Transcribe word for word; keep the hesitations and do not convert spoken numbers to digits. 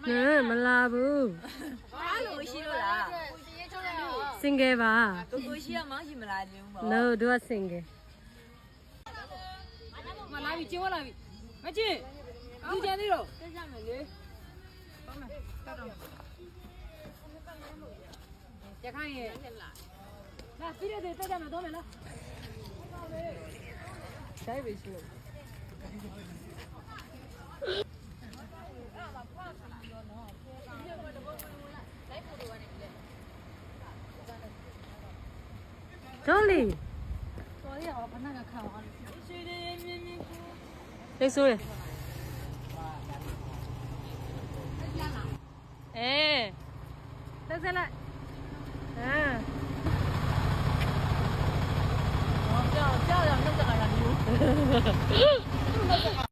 嗯，没拉不。 哪路西路啦？ single 吧。 哥哥西要忙什么来着 ？No，都是 single。 我拿笔接我拿笔，快去，又见你了，在下面的，上面，站着。再看一眼，来，飞碟队在下面多面来。下一位去了。 Dolly， 昨天我把那个看完了。 没输嘞。哎，来再来。嗯。 哦，这样这样让这个让牛。